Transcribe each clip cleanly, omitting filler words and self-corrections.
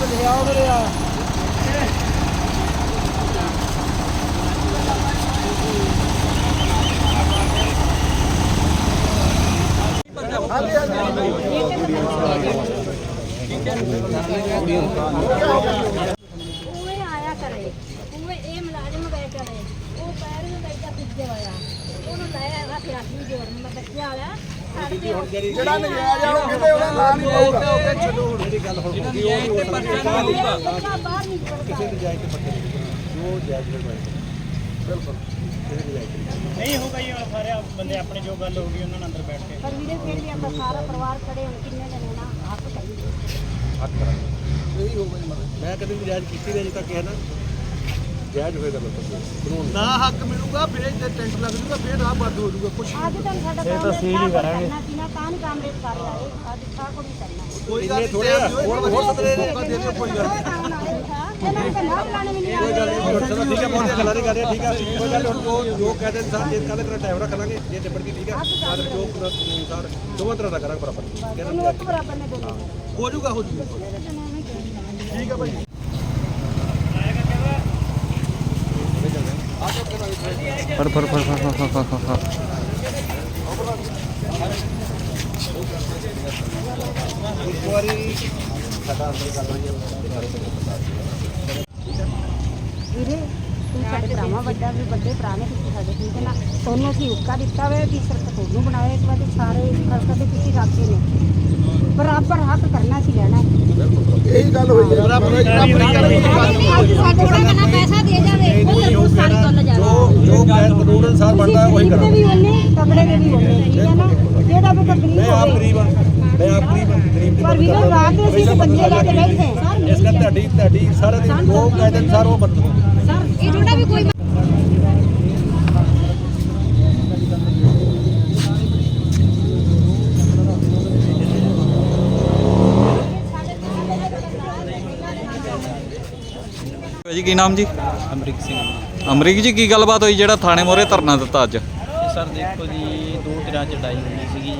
ਆਇਆ ਕਰੇ ਉਹ ਇਹ ਮੁਲਾਜ਼ਮ ਗਏ ਚਲੇ ਉਹ ਪੈਰ ਨੂੰ ਲੈ ਕੇ ਪਿੱਛੇ ਹੋਇਆ ਉਹਨੂੰ ਲੈ ਆਇਆ ਫਿਰ ਆਖੀ ਜੋੜ ਮੈਂ ਬੱਚਿਆ ਵਾਲਾ ਜਿਹੜਾ ਨਜਾਇਜ਼ ਆ ਉਹ ਕਿਤੇ ਉਹਦਾ ਨਾਂ ਨਹੀਂ ਪਾਊਗਾ। ਚਲੋ ਹੁਣ ਜਿਹੜੀ ਗੱਲ ਹੁਣ ਹੋਗੀ ਉਹ ਤੇ ਪਰਚਾ ਨਹੀਂ ਹੋਊਗਾ ਬਾਹਰ ਨਹੀਂ ਕਿਸੇ ਦੀ ਜਾਇਜ਼ ਤੇ ਪੱਕੇ ਜੋ ਜਾਇਜ਼ ਬਿਲਕੁਲ ਨਹੀਂ ਹੋਊਗਾ ਜੀ ਹੁਣ ਸਾਰੇ ਬੰਦੇ ਆਪਣੇ ਜੋ ਗੱਲ ਹੋ ਗਈ ਉਹਨਾਂ ਨਾਲ ਅੰਦਰ ਬੈਠ ਕੇ ਪਰ ਵੀਰੇ ਫਿਰ ਵੀ ਆਪਾਂ ਸਾਰਾ ਪਰਿਵਾਰ ਖੜੇ ਹੁਣ ਕਿੰਨੇ ਜਣੇ ਨਾ ਹੱਥ ਚਾਹੀਦੇ ਹੱਥ ਕਰਾਂਗੇ ਇਹੀ ਹੋਊਗਾ ਜੀ ਮਤਲਬ ਮੈਂ ਕਦੇ ਵੀ ਜਾਇਜ਼ ਕੀਤੀ ਨਹੀਂ ਅਜੇ ਤੱਕ ਇਹ ਨਾ ਜਾਇਜ਼ ਹੋਏਗਾ ਬਿਲਕੁਲ ਨਾ ਹੱਕ ਮਿਲੂਗਾ ਫਿਰ ਜੇ ਟੈਂਟ ਲੱਗ ਜੂਗਾ ਫਿਰ ਰਾਹ ਬੰਦ ਹੋ ਜੂਗਾ ਕੁਛ ਅੱਜ ਤਾਂ ਸਾਡਾ ਕੰਮ ਸੀਲ ਹੀ ਕਰਾਂਗੇ ਨਾ ਕਾਨ ਕਾਮਰੇਡ ਕਰ ਲਾਏ ਅੱਜ ਸਾਰਾ ਕੁਝ ਕਰਨਾ ਕੋਈ ਗੱਲ ਥੋੜਾ ਹੋਰ ਸਤਰੇ ਮੌਕਾ ਦੇ ਦਿਓ ਕੋਈ ਗੱਲ ਇਹਨਾਂ ਨੂੰ ਨਾ ਬੁਲਾਣੇ ਵੀ ਨਹੀਂ ਕੋਈ ਗੱਲ ਨਹੀਂ ਚਲੋ ਠੀਕ ਹੈ ਬਹੁਤ ਗੱਲਾਂ ਨਹੀਂ ਕਰ ਰਹੇ ਠੀਕ ਹੈ ਕੋਈ ਗੱਲ ਹੁਣ ਜੋ ਕਹਦੇ ਇਨਸਾਨ ਜੇ ਕੱਲ ਤੇਰਾ ਟਾਈਮ ਰੱਖ ਲਾਂਗੇ ਜੇ ਨਿਬੜ ਗਈ ਠੀਕ ਹੈ ਆਦਰ ਜੋ ਅਨੁਸਾਰ ਦੋਵਾਂ ਤਰ੍ਹਾਂ ਦਾ ਕਰਾਂਗੇ ਬਰਾਬਰ ਉਹਨੂੰ ਇੱਕ ਬਰਾਬਰ ਨੇ ਦੋਨੋਂ ਹੋ ਜੂਗਾ ਠੀਕ ਹੈ ਭਾਈ ਫੜ ਇੱਕ ਵਾਰੀ ਸਾਡਾ ਅੰਦਰ ਕਰ ਲਾਂਗੇ ਵੀਰੇ ਤੂੰ ਸਾਡੇ ਭਰਾਵਾਂ ਵੱਡਾ ਵੀ ਵੱਡੇ ਭਰਾ ਨੇ ਤੁਸੀਂ ਸਾਡੇ ਠੀਕ ਹੈ ਨਾ ਤੁਹਾਨੂੰ ਅਸੀਂ ਹੁੱਕਾ ਦਿੱਤਾ ਹੋਇਆ ਵੀ ਸਿਰਫ ਤੁਹਾਨੂੰ ਬਣਾਇਆ ਇਸ ਵਾਰ ਸਾਰੇ ਖਰਚਾ ਤੇ ਤੁਸੀਂ ਰੱਖੇ ਨੇ ਬਰਾਬਰ ਹੱਕ ਕਰਨਾ ਸੀ ਲੈਣਾ ਇਹੀ ਗੱਲ ਹੋਈ ਹੈ ਅੱਜ ਸਾਡੇ ਕੋਲ ਕਿੰਨਾ ਪੈਸਾ ਦੇ ਜਾਵੇ ਉਹ ਫਿਰ ਸਾਰੀ ਗੱਲ ਜਾ ਜੋ ਕਾਨੂੰਨ ਅਨੁਸਾਰ ਬਣਦਾ ਉਹੀ ਕਰਾਂਗੇ ਵੀ ਉਹਨੇ ਤਗੜੇ ਦੇ ਵੀ ਉਹਨੇ ਠੀਕ ਹੈ ਨਾ ਜਿਹੜਾ ਵੀ ਗਰੀਬ ਮੈਂ ਆਪ ਗਰੀਬ ਹਾਂ ਮੈਂ ਆਪ ਗਰੀਬ ਦੀ ਪਰ ਵੀਰੇ ਰਾਤ ਨੂੰ ਅਸੀਂ ਬੰਦੇ ਲੈ ਕੇ ਬੈਠੇ ਇਸ ਕਰਕੇ ਤੁਹਾਡੀ ਸਾਰਾ ਦਿਨ ਜੋ ਕਾਇਦੇ ਅਨੁਸਾਰ ਉਹ ਵਰਤੋ ਸਰ ਇਹ ਥੋੜਾ ਵੀ ਕੋਈ ਜੀ ਕੀ ਨਾਮ ਜੀ? ਅਮਰੀਕ ਸਿੰਘ ਅਮਰੀਕ ਜੀ ਕੀ ਗੱਲਬਾਤ ਹੋਈ ਜਿਹੜਾ ਥਾਣੇ ਮੋਹਰੇ ਧਰਨਾ ਦਿੱਤਾ ਅੱਜ? ਸਰ ਦੇਖੋ ਜੀ ਦੋ ਧਿਰਾਂ 'ਚ ਲੜਾਈ ਹੋਈ ਸੀਗੀ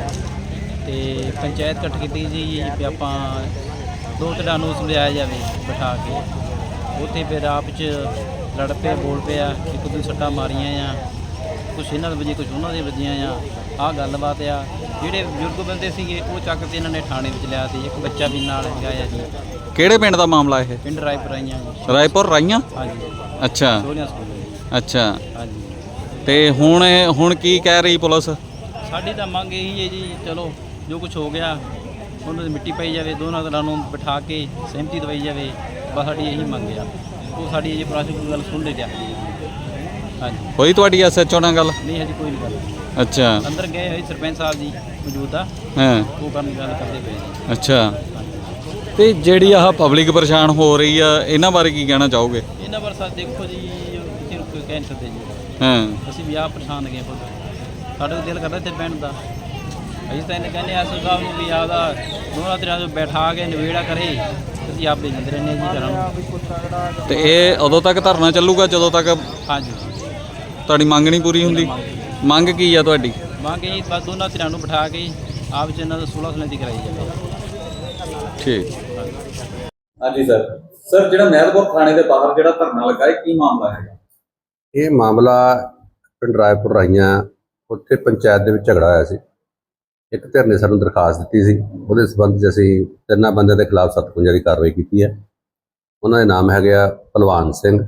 ਤੇ ਪੰਚਾਇਤ ਇਕੱਠ ਕੀਤੀ ਜੀ ਵੀ ਆਪਾਂ ਦੋ ਧਿਰਾਂ ਨੂੰ ਸਮਝਾਇਆ ਜਾਵੇ ਬਿਠਾ ਕੇ ਉੱਥੇ ਫਿਰ ਆਪ 'ਚ ਲੜ ਪਏ ਬੋਲ ਪਿਆ ਇੱਕ ਦੂਜੇ ਸੱਟਾਂ ਮਾਰੀਆਂ ਆ ਕੁਛ ਇਹਨਾਂ ਦੇ ਵਜੇ ਕੁਛ ਉਹਨਾਂ ਦੇ ਵੱਜੀਆਂ ਆ ਆਹ ਗੱਲਬਾਤ ਆ ਜਿਹੜੇ ਬਜ਼ੁਰਗ ਬੰਦੇ ਸੀਗੇ ਉਹ ਚੱਕ ਕੇ ਇਹਨਾਂ ਨੇ ਥਾਣੇ ਵਿੱਚ ਲਿਆ ਤੇ ਇੱਕ ਬੱਚਾ ਵੀ ਨਾਲ ਹੈਗਾ ਆ ਜੀ ਕਿਹੜੇ ਪਿੰਡ ਦਾ ਮਾਮਲਾ ਇਹ? ਪਿੰਡ ਰਾਏਪੁਰ ਆਈਆਂ ਜੀ ਰਾਏਪੁਰ ਰਾਈਆਂ? ਹਾਂਜੀ ਅੱਛਾ ਸੋਹਣਿਆ ਸਕੂਲ ਅੱਛਾ ਹਾਂਜੀ ਤੇ ਹੁਣ ਕੀ ਕਹਿ ਰਹੀ ਪੁਲਿਸ? ਸਾਡੀ ਤਾਂ ਮੰਗ ਇਹੀ ਹੈ ਜੀ ਚਲੋ ਜੋ ਕੁਝ ਹੋ ਗਿਆ ਉਹਨਾਂ ਦੀ ਮਿੱਟੀ ਪਾਈ ਜਾਵੇ ਦੋਨਾਂ ਤਰ੍ਹਾਂ ਨੂੰ ਬਿਠਾ ਕੇ ਸਹਿਮਤੀ ਦਵਾਈ ਜਾਵੇ ਬਸ ਸਾਡੀ ਇਹੀ ਮੰਗ ਆ ਉਹ ਸਾਡੀ ਇਹ ਪ੍ਰਸ਼ਾਸਨ ਗੱਲ ਸੁਣ ਲੈ ਜਾ ਹਾਂਜੀ ਹੋਈ ਤੁਹਾਡੀ ਐਸਐਚਓ ਨਾਲ ਗੱਲ? ਨਹੀਂ ਹਜੇ ਕੋਈ ਨਹੀਂ ਗੱਲ ਅੱਛਾ ਅੰਦਰ ਗਏ ਹੋਏ ਸਰਪੰਚ ਸਾਹਿਬ ਜੀ ਮੌਜੂਦਾ ਹਾਂ ਉਹ ਕਰਨ ਦੀ ਗੱਲ ਕਰਦੇ ਪਏ ਜੀ ਅੱਛਾ ਤੇ ਜਿਹੜੀ ਆਹ ਪਬਲਿਕ ਪਰੇਸ਼ਾਨ ਹੋ ਰਹੀ ਆ ਇਹਨਾਂ ਬਾਰੇ ਕੀ ਕਹਿਣਾ ਚਾਹੋਗੇ? ਇਹਨਾਂ ਬਾਰੇ ਸਰ ਦੇਖੋ ਜੀ ਕਿਸੇ ਨੂੰ ਕੋਈ ਕਹਿ ਨਹੀਂ ਸਕਦੇ ਜੀ ਹਾਂ ਅਸੀਂ ਵੀ ਆਪ ਪਰੇਸ਼ਾਨ ਗਏ ਖੁਦ ਸਾਡਾ ਦਿਲ ਕਰਦਾ ਇੱਥੇ ਬਹਿਣ ਦਾ ਅਸੀਂ ਤਾਂ ਇਹਨੇ ਕਹਿੰਦੇ ਐਸ ਸਾਹਿਬ ਨੂੰ ਵੀ ਆਪਦਾ ਦੋਨਾਂ ਤਰ੍ਹਾਂ ਤੋਂ ਬੈਠਾ ਕੇ ਨਿਬੇੜਾ ਕਰੇ ਅਸੀਂ ਆਪ ਦੇ ਜਾਂਦੇ ਰਹਿੰਦੇ ਜੀ ਘਰਾਂ ਨੂੰ ਤੇ ਇਹ ਉਦੋਂ ਤੱਕ ਧਰਨਾ ਚੱਲੂਗਾ ਜਦੋਂ ਤੱਕ ਹਾਂਜੀ ਤੁਹਾਡੀ ਮੰਗ ਨਹੀਂ ਪੂਰੀ ਹੁੰਦੀ? ਮੰਗ ਕੀ ਆ ਤੁਹਾਡੀ? ਮੰਗ ਇਹ ਬਸ ਦੋਨਾਂ ਧਿਰਾਂ ਨੂੰ ਬਿਠਾ ਕੇ ਆਪ ਚ ਇਹਨਾਂ ਦਾ 16 ਸਲੈਂਤੀ ਕਰਾਈ ਜਾਵੇ ਠੀਕ। ਹਾਂਜੀ ਸਰ ਜਿਹੜਾ ਮਹਿਲਪੁਰ ਥਾਣੇ ਦੇ ਬਾਹਰ ਜਿਹੜਾ ਧਰਨਾ ਲੱਗਾ ਹੈ ਕੀ ਮਾਮਲਾ ਹੈ? ਇਹ ਮਾਮਲਾ ਪਿੰਡ ਰਾਏਪੁਰ ਰਾਈਆਂ ਉੱਥੇ ਪੰਚਾਇਤ ਦੇ ਵਿੱਚ ਝਗੜਾ ਹੋਇਆ ਸੀ। ਇੱਕ ਧਿਰ ਨੇ ਸਾਨੂੰ ਦਰਖਾਸਤ ਦਿੱਤੀ ਸੀ, ਉਹਦੇ ਸਬੰਧ 'ਚ ਅਸੀਂ ਤਿੰਨਾਂ ਬੰਦਿਆਂ ਦੇ ਖਿਲਾਫ 57 ਦੀ ਕਾਰਵਾਈ ਕੀਤੀ ਹੈ। ਉਹਨਾਂ ਦੇ ਨਾਮ ਹੈਗੇ ਆ ਭਲਵਾਨ ਸਿੰਘ,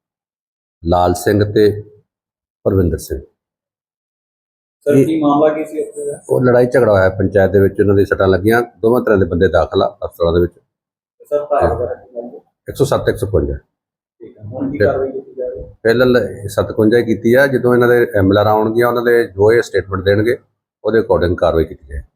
ਲਾਲ ਸਿੰਘ ਤੇ ਪਰਵਿੰਦਰ ਸਿੰਘ। ਸਰ ਕੀ ਮਾਮਲਾ ਕੀ ਸੀ ਉੱਥੇ? ਉਹ ਲੜਾਈ ਝਗੜਾ ਹੋਇਆ ਪੰਚਾਇਤ ਦੇ ਵਿੱਚ, ਉਹਨਾਂ ਦੀ ਸੱਟਾਂ ਲੱਗੀਆਂ, ਦੋਵਾਂ ਤਰ੍ਹਾਂ ਦੇ ਬੰਦੇ ਦਾਖਲ ਆ ਹਸਪਤਾਲਾਂ ਦੇ ਵਿੱਚ। ਸਰ ਧਾਰਾ ਵਗੈਰਾ ਕੀ ਗੱਲ ਹੈ? 107 155 ਠੀਕ ਹੈ ਹੁਣ ਕੀ ਕਾਰਵਾਈ ਕੀਤੀ ਜਾ ਰਹੀ ਹੈ? ਪਹਿਲਾਂ 57 ਕੀਤੀ ਆ, ਜਦੋਂ ਇਹਨਾਂ ਦੇ ਐਮਐਲਆਰ ਆਉਣਗੀਆਂ ਉਹਨਾਂ ਦੇ ਜੋ ਇਹ ਸਟੇਟਮੈਂਟ ਦੇਣਗੇ ਉਹਦੇ ਅਕੋਰਡਿੰਗ ਕਾਰਵਾਈ ਕੀਤੀ ਜਾਏ।